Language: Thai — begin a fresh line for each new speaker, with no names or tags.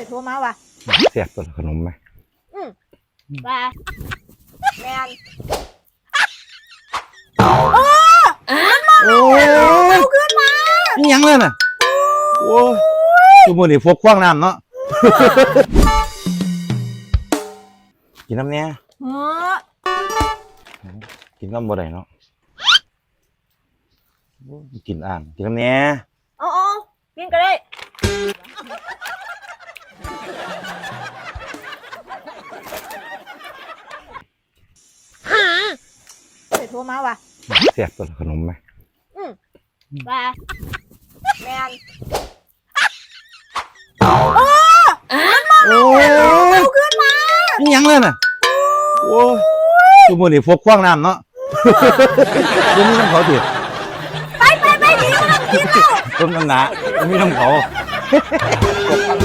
โทรมาว่ะ
เสียบตัวขนมไหม
ว่าแมน
โอ้ยเอาขึ้นมานี่ยังเลยน่ะโอ้ยทุกมื้อนี่พวกคว้างน้ำเนาะกินน้ำเนี้ยกินน้ำบ่ได้เนาะกินอ่างกินน้ำเนี้ย
อ๋อกินก็ได้โทรมาว่ะ
เสียบตัวขนมไหม
ว่าแมน
โอ้ยเอาขึ้นมานี่ยังเลยน่ะโอ้ยทุกมื้อนี่พวกคว้างน้ำเนาะเดี๋ยวนี้น้ำเขาติด
ไปดีมันกินแล้ว
ต้มน้ำหนามีน้ำเขา